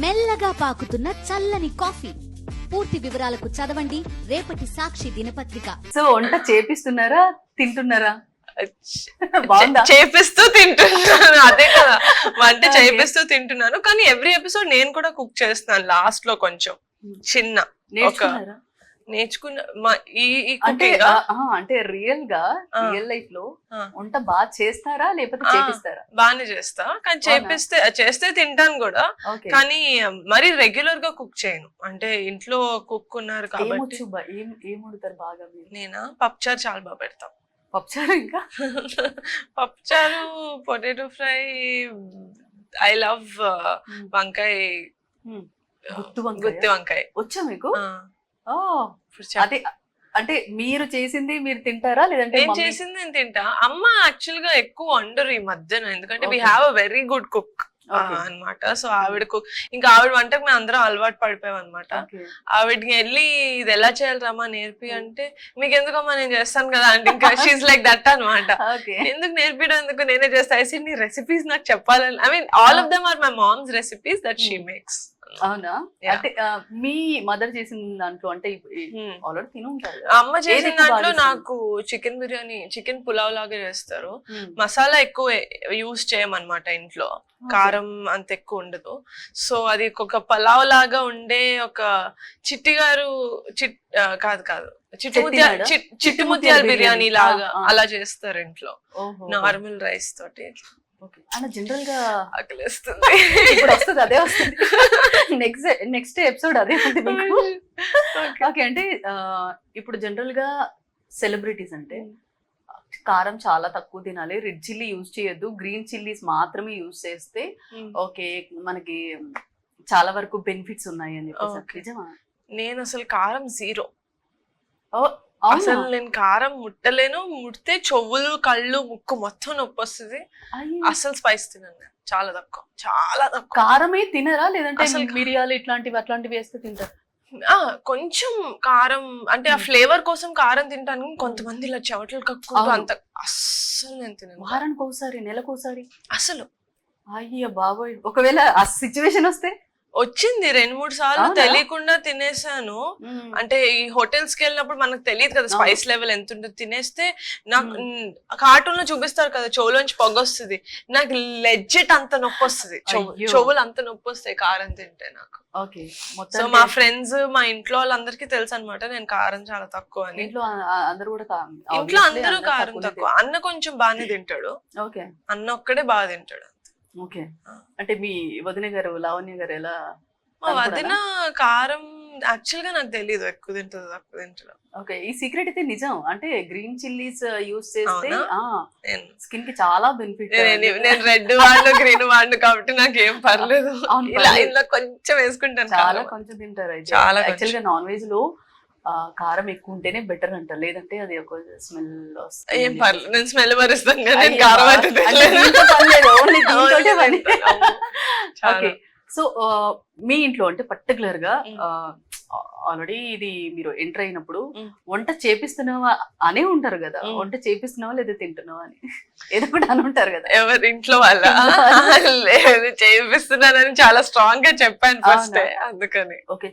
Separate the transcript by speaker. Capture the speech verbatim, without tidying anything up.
Speaker 1: మెల్లగా పాకుతున్న చల్లని కాఫీ. పూర్తి వివరాలకు చదవండి రేపటి సాక్షి దినపత్రిక.
Speaker 2: సో వంట చేపిస్తున్నారా తింటున్నారా? బాగుందా?
Speaker 3: చేపిస్తూ తింటున్నాను, అదే కదా వంట చేపిస్తూ తింటున్నాను. కానీ ఎవ్రీ ఎపిసోడ్ నేను కూడా కుక్ చేస్తున్నాను లాస్ట్ లో కొంచెం చిన్న ఒక నేర్చుకున్న ఈ
Speaker 2: అంటే అంటే రియల్ గా రియల్ లైఫ్ లో వంట బాగా చేస్తారా లేకపోతే చేపిస్తారా?
Speaker 3: బాగానే చేస్తా, కానీ చేపిస్తే చేస్తే తింటాను కూడా, కానీ మరి రెగ్యులర్ గా కుక్ చేయను. అంటే ఇంట్లో కుక్ ఉన్నారు కాబట్టి.
Speaker 2: ఏం వండుతారు బాగా?
Speaker 3: నేనా పప్పుచారు చాలా బాగా పెడతాం.
Speaker 2: పప్పుచారు, ఇంకా
Speaker 3: పప్పుచారు, పొటాటో ఫ్రై, ఐ లవ్ వంకాయ, గుత్తి వంకాయ.
Speaker 2: వచ్చా మీకు? అదే అంటే మీరు చేసింది మీరు తింటారా లేదంటే?
Speaker 3: నేను చేసింది నేను తింటా. అమ్మ యాక్చువల్ గా ఎక్కువ వండరు ఈ మధ్యన, ఎందుకంటే we have a very good cook అన్నమాట. సో ఆవిడ కుక్, ఇంకా ఆవిడ వంటకు మేము అందరం అలవాటు పడిపోయాం అనమాట. ఆవిడకి వెళ్ళి ఇది ఎలా చేయాలి రమ్మా నేర్పి అంటే, మీకు ఎందుకమ్మా నేను చేస్తాను కదా అంటే ఇంకా షీస్ లైక్ దట్ అనమాట. ఎందుకు నేర్పించడం, ఎందుకు నేనే చేస్తా. ఐ నీ రెసిపీస్ నాకు చెప్పాలని, I mean all of them are my mom's recipes that she makes.
Speaker 2: అవునా? అంటే మీ మదర్ చేసిన దాంట్లో అంటే ఆల్రెడీ తిని ఉంటారు.
Speaker 3: అమ్మ చేసిన దాంట్లో నాకు చికెన్ బిర్యానీ, చికెన్ పులావ్ లాగా చేస్తారు. మసాలా ఎక్కువ యూజ్ చేయమన్నమాట ఇంట్లో, కారం అంత ఎక్కువ ఉండదు. సో అది ఒక పలావ్ లాగా ఉండే ఒక చిట్టి గారు చిట్ కాదు కాదు చిట్టు ముత్యాల చిట్టు ముత్యాల బిర్యానీ లాగా అలా చేస్తారు ఇంట్లో, నార్మల్ రైస్ తోటి.
Speaker 2: జనరల్ గా
Speaker 3: ఆకలిస్తుంది,
Speaker 2: ఇప్పుడు వస్తుంది అదే వస్తుంది. నెక్స్ట్ నెక్స్ట్ ఎపిసోడ్ అదే ఉంది మీకు. ఓకే, అంటే ఇప్పుడు జనరల్ గా సెలబ్రిటీస్ అంటే కారం చాలా తక్కువ తినాలి, రెడ్ చిల్లీ యూజ్ చేయొద్దు, గ్రీన్ చిల్లీస్ మాత్రమే యూజ్ చేస్తే ఓకే మనకి చాలా వరకు బెనిఫిట్స్ ఉన్నాయి అని చెప్పేసి నిజమా?
Speaker 3: నేను అసలు కారం జీరో. అసలు నేను కారం ముట్టలేను, ముడితే చెవులు కళ్ళు ముక్కు మొత్తం నొప్పి వస్తుంది. అసలు స్పైస్ తినను, చాలా తక్కువ, చాలా తక్కువ.
Speaker 2: కారమే తినరా లేదంటే మిరియాలు ఇట్లాంటివి అట్లాంటివి వేస్తే తింటారు?
Speaker 3: ఆ కొంచెం కారం అంటే ఆ ఫ్లేవర్ కోసం కారం తింటాను. కొంతమంది ఇలా చెవటలు కక్కుంటూ అంత అస్సలు నేను తినను.
Speaker 2: వారానికి ఒకసారి, నెలకు ఒకసారి
Speaker 3: అసలు.
Speaker 2: అయ్యో బాబోయ్, ఒకవేళ ఆ సిచ్యువేషన్ వస్తే?
Speaker 3: వచ్చింది రెండు మూడు సార్లు, తెలియకుండా తినేసాను. అంటే ఈ హోటల్స్ కి వెళ్ళినప్పుడు మనకు తెలియదు కదా స్పైస్ లెవెల్ ఎంత ఉంటుంది. తినేస్తే నాకు కార్టూన్ లో చూపిస్తారు కదా చెవులోంచి పొగ వస్తుంది, నాకు లెజ్జెట్ అంత నొప్పి వస్తుంది, చెవులు అంత నొప్పి వస్తాయి కారం తింటే నాకు. సో మా ఫ్రెండ్స్ మా ఇంట్లో వాళ్ళందరికీ తెలుసు అనమాట నేను కారం చాలా తక్కువ అని.
Speaker 2: ఇంట్లో అందరూ కూడా
Speaker 3: ఇంట్లో అందరూ కారం తక్కువ. అన్న కొంచెం బాగానే తింటాడు, అన్న ఒక్కడే బాగా తింటాడు.
Speaker 2: ఓకే, అంటే మీ వదిన గారు లావణ్య గారు ఎలా?
Speaker 3: మా వదిన కారం యాక్చువల్ గా నాకు తెలియదు ఎక్కువ తింటుంది తక్కువ తింటాడు.
Speaker 2: ఓకే, ఈ సీక్రెట్ అయితే నిజం. అంటే గ్రీన్ చిల్లీస్ యూజ్ చేస్తే స్కిన్ కి చాలా బెనిఫిట్.
Speaker 3: నేను రెడ్ వాడు గ్రీన్ వాడు కాబట్టి నాకు ఏం పర్లేదు, ఇలా ఇలా కొంచెం వేసుకుంటాను.
Speaker 2: చాలా కొంచెం తింటారు అయితే. చాలా యాక్చువల్ గా నాన్ వెజ్ లో కారం ఎక్కువ ఉంటేనే బెటర్ అంట, లేదంటే అది ఒక స్మెల్ వస్తుంది.
Speaker 3: ఏం పర్లేదు, నేను స్మెల్ భరిస్తాను కానీ కారం అయితే
Speaker 2: ఓకే, సో మీ ఇంట్లో అంటే పర్టికులర్ గా ఆల్రెడీ ఇది మీరు ఎంటర్ అయినప్పుడు వంట చేపిస్తున్నావా అనే ఉంటారు కదా, వంట చేపిస్తున్నావా లేదా తింటున్నావా అని ఏదో కూడా అని ఉంటారు కదా.
Speaker 3: ఎవరి ఇంట్లో వాళ్ళ లేదు చేపిస్తున్నానని చాలా స్ట్రాంగ్ గా చెప్పాను ఫస్ట్, అందుకని.
Speaker 2: ఓకే,